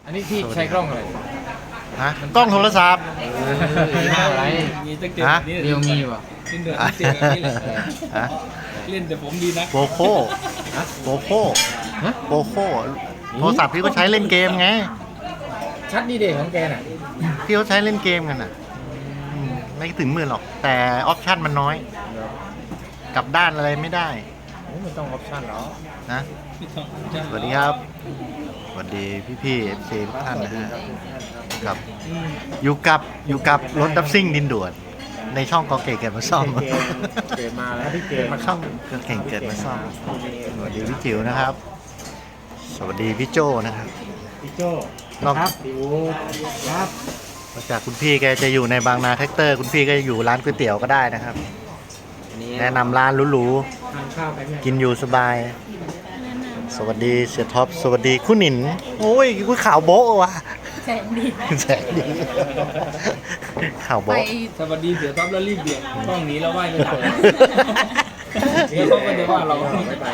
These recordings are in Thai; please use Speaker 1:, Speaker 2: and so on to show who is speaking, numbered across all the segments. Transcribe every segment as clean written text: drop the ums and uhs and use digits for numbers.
Speaker 1: อันนี้พี่ใช้กล้องอะไร
Speaker 2: ฮะกล้องโทรศัพท์
Speaker 1: อะไร
Speaker 3: มีตั้งเจ็ด
Speaker 2: ฮะ
Speaker 3: นี่
Speaker 1: เรียวมีป่ะ
Speaker 3: เล่นเดือดตั้งเจ็ดแบบนี้แหละ
Speaker 2: ฮะ
Speaker 3: เล่นแต่ผมดีนะ
Speaker 2: โปโคโปโค
Speaker 1: ฮะ
Speaker 2: โปโคโทรศัพท์พี่ก็ใช้เล่นเกมไง
Speaker 1: ชัดนี่เด็ของแกน่ะ
Speaker 2: พี่เขาใช้เล่นเกมกันอ่ะไม่ถึงหมื่นหรอก แต่ออปชั่นมันน้อย กลับด้านอะไรไม่ได้
Speaker 1: ไม่ต้องออปชั่นหรอ
Speaker 2: นะ
Speaker 3: พี่ทอง
Speaker 2: สวัสดีครับ สวัสดีพี่ๆ FC ทุกท่านนะฮะครับอยู่กับรถดับซิ่งดินด่วน ในช่องกอเก๋เกิดมาซ่อม
Speaker 1: เกิดมาแล้วพี่เกม
Speaker 2: ช่องกอเก๋เกิดมาซ่อม สวัสดีพี่จิ๋วนะครับ สวัสดีพี่โจนะครับ
Speaker 1: พี่โจ
Speaker 2: นอก
Speaker 1: พี่อูครับ
Speaker 2: นอกจากคุณพี่แกจะอยู่ในบางนาแท็กเตอร์ คุณพี่ก็อยู่ร้านก๋วยเตี๋ยวก็ได้นะครับ
Speaker 1: อันนี้
Speaker 2: แนะนำร้านหรู
Speaker 1: ทานข้าวไปเนี่ย
Speaker 2: ๆกินอยู่สบาย สวัสดีเสียท็อป สวัสดีคุณหนิน โอ้ยคุณข่าวโบ๊ะว่ะ
Speaker 4: แสงดี
Speaker 2: แสงดีข่าว
Speaker 4: ไป
Speaker 2: โบ๊ะ
Speaker 3: สวัสดีเดี๋ยวท็อปแล้วรีบเบี่ยงกล้องหนี้แล้วไหว้ไปหลังเดี๋ยวเขาก็จะว่าเรา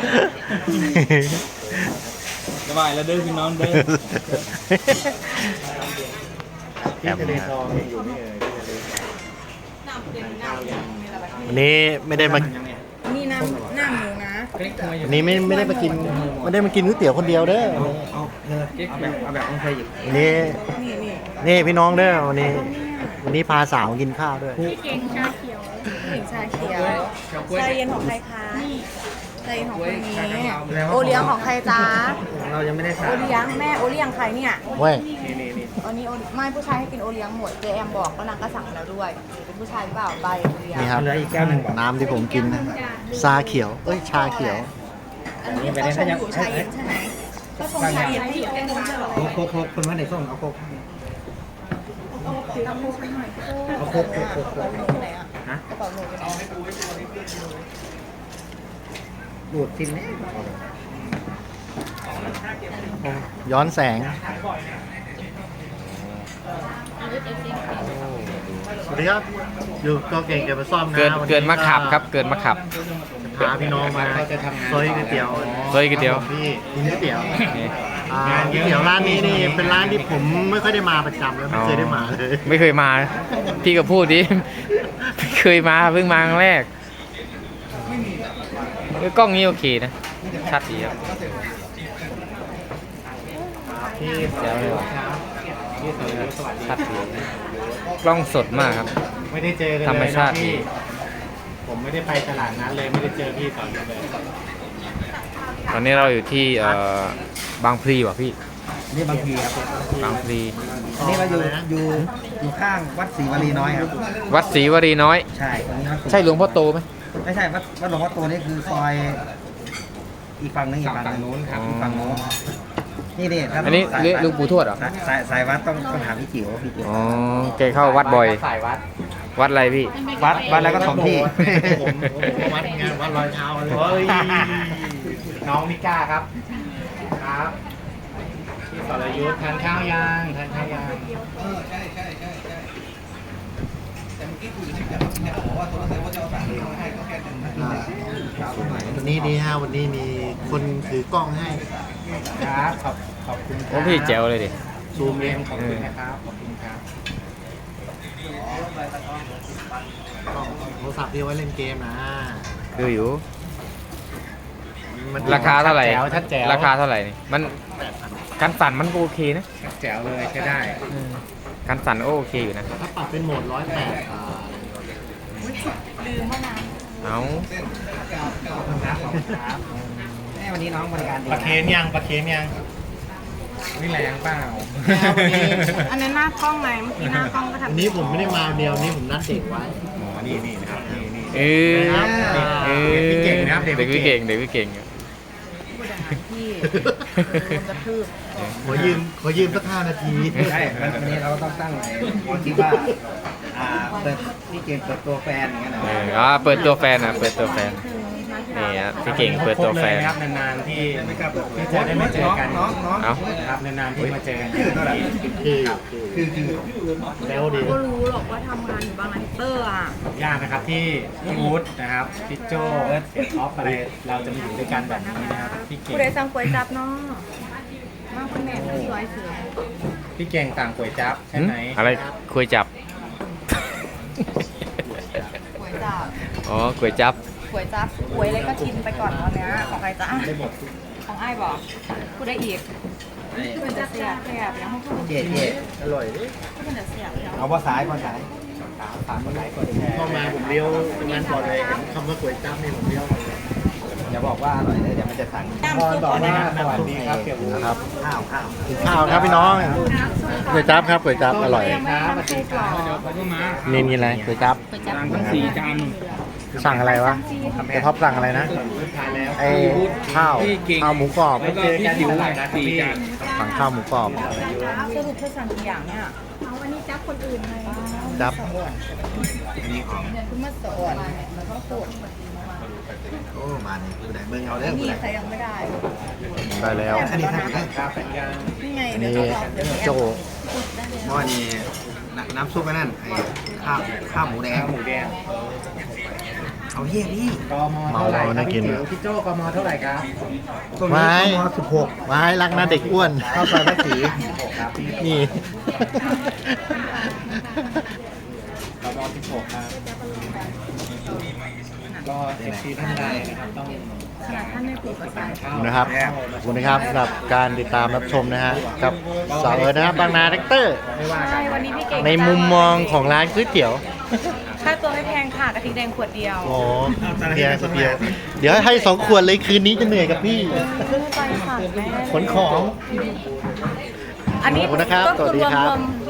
Speaker 3: จะไหว้แล้วเด้อพี่น้องเด้อ
Speaker 2: แอม
Speaker 1: ทะเล
Speaker 2: นะ
Speaker 1: ทองอยู่นี่เลยที่ทะเลทองทานข้าวยัง
Speaker 2: วันนี้ไม่ได้มา
Speaker 1: ยังเนี่ย
Speaker 4: นี่น้ำหน้าหมูนะ
Speaker 3: เก๊กทำไมอยู่
Speaker 2: วันนี้ไม่ได้มากินก๋วยเตี๋ยวคนเดียวเด้อ
Speaker 3: เก๊กแบบต้องใช้หยิบ
Speaker 2: วันนี้
Speaker 4: นี่นี่
Speaker 2: นี่พี่น้องเด้อวันนี้พาสาวกินข้าวด้วย
Speaker 4: เก่งชาเขียวเก่งชาเขียวชาเย็นของใครคะชาเย็นของคนนี้โอเลี้ยงของใครจ๊ะ
Speaker 1: เรายังไม่ได้
Speaker 4: โอ
Speaker 1: สั่ง
Speaker 4: เลี้ยงแม่โอเลี้ยงใครเนี่ย
Speaker 2: เว้ย
Speaker 1: นี่
Speaker 4: อันนี้ไม่ผู้ชายให้กินโอเลี้ยงหมดเจแอมบอกก็นางก็สั่งแล้วด้วยเป็นผู้ชายหรือเปล่าใบโอเลี้ยง
Speaker 2: นี่ครับ
Speaker 1: เหลืออีกแก้วหนึ่งบอก
Speaker 2: น้ำที่ผมกินนะชาเขียว เอ้ย ชาเขียว
Speaker 4: อันนี้เขาชงอยู่ชาเย็นใช่ไหมก็ชงชาเย็นให้อยู่แค่นู้นใช่หรอ
Speaker 1: โคกคนว่าไหนส้มเอาโคก
Speaker 4: เอาโคกไหนอ่ะ
Speaker 1: ฮะ
Speaker 4: กระเป๋าหนูไปไหน
Speaker 1: ดูดซิมเนี่ย
Speaker 2: ย้อนแสง สวัสดีครับ อยู่ก็เก่งเกิดมาซ่อมนะ
Speaker 5: เกินมาขับครับ เกินมาขับ
Speaker 2: พาพี่น้องมาซอยก๋วยเตี๋ยว
Speaker 5: ซอยก๋วยเตี๋ยว
Speaker 2: พี่กินก๋วยเตี๋ยว
Speaker 5: นี่
Speaker 2: ก๋วยเตี๋ยวร้านนี้นี่เป็นร้านที่ผมไม่ค่อยได้มาประจำแล้วไม่เคยได้มาเลย
Speaker 5: ไม่เคยมา พี่ก็พูดดิ ไม่เคยมาเพิ่งมาครั้งแรกกล้องนี้โอเคนะ ชัดดีครับ
Speaker 2: พี่
Speaker 5: เดี๋ยวเลยว่ะ
Speaker 2: พี่สวัสดี
Speaker 5: ชัดดีกล้องสดมากครับ
Speaker 2: ไม่ได้เจอกันเลย
Speaker 5: ธรรมชาติ
Speaker 2: นะพี่ผมไม่ได้ไปตลาดนั้นเลยไม่ได้เจอพี่ตอนนี้เลย
Speaker 5: ตอนนี้เราอยู่ที่บางพลีว่ะพี่
Speaker 1: นี่บางทีครับ
Speaker 5: บางพลี
Speaker 1: นี่เราอยู่ข้างวัดศรีวลีน้อยครับ
Speaker 5: วัดศรีวรีน้อย
Speaker 1: ใช่ตรงนี้วัด
Speaker 5: ใช่หลวงพ่อโตไหม
Speaker 1: ไม่ใช่วัดหลวงพ่อโตนี่คือซอยอีกฝั่งนึงอีกฝั่งนู้นครับอีกฝั่งนู้นนี่ถ้า
Speaker 5: อันนี้หลวงปู่ทวดเหรอ
Speaker 1: สายวัดต้องถามพี่จิ๋วพี่จิ๋ว
Speaker 5: อ๋อแกเข้าวัดบ่อย
Speaker 1: สายวัด
Speaker 5: วัดอะไรพี่
Speaker 1: วัดแล้วก็ถมที่
Speaker 2: ผมวัดงานวัดรอยเท้าเลย
Speaker 1: เฮ้ยน้องมิก้าครับครับ
Speaker 2: พี่สรยุทธ์ทานข้าวยังทานข้าวยังวันนี้ดีฮะวันนี้มีคนถือกล้องให้
Speaker 1: ครับขอบคุณ
Speaker 5: โอ้พี่แจ๋วเลยดิ
Speaker 2: ซูมเอง
Speaker 1: ขอบคุณนะครับขอบคุณครับ
Speaker 2: กล้องโทรศัพท์ที่เอาไว้เล่นเกมนะ
Speaker 5: คืออยู่
Speaker 2: มัน
Speaker 5: ราคาเท่าไหร่
Speaker 2: ชัดแจ๋ว
Speaker 5: ราคาเท่าไหร่นี่มันการสั่นมันก็โอเคนะ
Speaker 1: แจ๋วเลยใช้ได้
Speaker 5: การสั่นก็โอเคอยู่นะ
Speaker 2: ถ้าปรับเป็นโหมด108
Speaker 4: ลืมว่าน้
Speaker 5: เอา
Speaker 1: ครับแม่วันนี้น้องบริการดี
Speaker 2: ปลาเคนยังปลาเคนยัง
Speaker 1: ไม่แรงเปล่า
Speaker 4: ำอันนั้นหน้ากล้องไงเมื่อกี้หน้ากล้องก็ทำ
Speaker 2: วันนี้ผมไม่ได้มาเดียวนี้ผมนัดเด็กไว้
Speaker 1: นี่นะครับนี่
Speaker 5: เออ
Speaker 2: ครับ
Speaker 5: เออ
Speaker 1: เด็กพี่เก่งนะครับ
Speaker 5: เด็กพี่เก่งเด็กพี่เก่ง
Speaker 4: พูดอย่างนั้นพี่โดนกระทืบ
Speaker 2: ขอยืมสัก5 นาที
Speaker 1: ใช่วันนี้เราก็ต้องตั้งไว้คิดว่าเปิดพี่เก่งเปิดตัวแฟนอย่างเงี้ยนะ
Speaker 5: เปิดตัวแฟนเปิดตัวแฟนนี่ฮะพี่เก่งเปิดตัวแฟน
Speaker 2: ครับนานๆที่จะได้มาเจอกัน
Speaker 1: น้อง
Speaker 5: เอ้า
Speaker 2: ครับนานๆที่มาเจอกัน
Speaker 1: ชื่อเท่าไหร่
Speaker 2: คือแล้วดี
Speaker 4: ก็รู้หรอกว่าทำงานอยู่บางนาเตอร์อ่ะ
Speaker 2: ยากนะครับที่พี่วูดนะครับพี่โจเสียท็อปอะไรเราจะมาอยู่ด้วยกันแบบนี้นะครับพี่เก่ง
Speaker 4: ผู้ใดสั่งก๋วยจับเนาะมากคุณแม่ที่ร้อยเสือ
Speaker 3: พี่เก่งต่างก๋วยจั๊บใช่ไหม
Speaker 5: อะไรคุยจับ
Speaker 4: ก๋วยจับ
Speaker 5: อ๋อก๋วยจับ
Speaker 4: ก๋วยจับก๋วยอะไรก็ชิมไปก่อนตอนเนี้ยของใครจ้าของไอ้บอกพูดได้อีกมันจะเสียบเสียบยังไม่พูด
Speaker 1: เจ๊อร่อย
Speaker 4: มันจะเสียบแล้ว
Speaker 1: เอาภาษาภาษาฝากคนไหนก่อนแชร์
Speaker 2: เข้ามาผมเลี้ยวเป็นงานก่อนเลยเห็นคำว่าก๋วยจั๊บนี่ผมเลี้ยวมาเลย
Speaker 1: อย่าบอกว่าอร่อยเลยเดี๋ยวมันจะสั่ง
Speaker 4: น้ำซุปก่อนนะ
Speaker 1: สวัสดีครับเกี่ยวกับ
Speaker 2: นะครับ
Speaker 1: ข้าว
Speaker 2: กินข้าวครับพี่น้องก๋วยจั๊บครับก๋วยจั๊บอร่อย
Speaker 4: ยังไม่ทำซุปหรอ
Speaker 3: เดี๋ยวเขาก็มา
Speaker 2: นี่อะไรก๋วยจั๊บ
Speaker 3: จานทั้ง4จาน
Speaker 2: สั่งอะไรวะเดี๋ยวท็อปสั่งอะไรนะไอ้ข้าวหมูกรอบ
Speaker 3: แล้วก็พี่จิ๋ว4จาน
Speaker 2: สั่งข้าวหมูกรอบ
Speaker 4: สรุปเธอสั่งกี่อย่างเนี่ยเอาวันนี้จับคนอื่นเลย
Speaker 2: จั๊บ
Speaker 4: คุณมาสอนแล้วก็ปวด
Speaker 1: โอ้มานี่คือไหนเมืองเอาเด้อ
Speaker 4: นี่ใครยังไม่ได้
Speaker 2: ได้แล้ว
Speaker 1: อันนี้ทำได้
Speaker 4: นี่ไงเดี๋ยว
Speaker 2: นี่
Speaker 4: จะบอกเดี๋ยว
Speaker 2: โจ
Speaker 1: เพราะอันนี้น้ำซุปนั่นไอ้ข้าวหมูแดง
Speaker 3: หมูแดง
Speaker 1: เอาเยี่ยนี่
Speaker 3: กม
Speaker 2: เมา
Speaker 3: เท่าไหร่
Speaker 2: เราน่ากิน
Speaker 3: พี่โจ้กมเท่าไหร่ครับ
Speaker 1: ตรงนี้
Speaker 2: ไม้
Speaker 1: ม16
Speaker 2: ไม้รักนะเด็กอ้วน
Speaker 1: ข้าวซอยภาษี
Speaker 2: นี่
Speaker 3: กม16ครับก็เอฟซีท่านใดนะครับต้อง
Speaker 4: ขนาดท่านไม่ปลูกภาษา
Speaker 3: ข้าว
Speaker 2: นะครับขอบคุณนะครับสำหรับการติดตามรับชมนะฮะกับสาวเอิร์ธนะครับบางนาแท็กเตอร์
Speaker 3: ไม่ว่ากั
Speaker 4: ใช่
Speaker 3: น
Speaker 4: วันนี้พี่เก่ง
Speaker 2: ในมุมมองของร้านก๋วยเตี๋ยว
Speaker 4: ค่าตัวไม่แพงค่ะกระทิงแดงขวดเดียว
Speaker 2: โอ้เดียวเดียวเดี๋ยวให้2 ขวดเลยคืนนี้จะเหนื่อยกับพี่
Speaker 4: ไปค่ะแม่
Speaker 2: ขนของ
Speaker 4: อันนี้
Speaker 2: ขอบคุณนะครับ
Speaker 4: ก็
Speaker 2: สวัสดี
Speaker 4: คือ
Speaker 2: ครับ
Speaker 4: รวม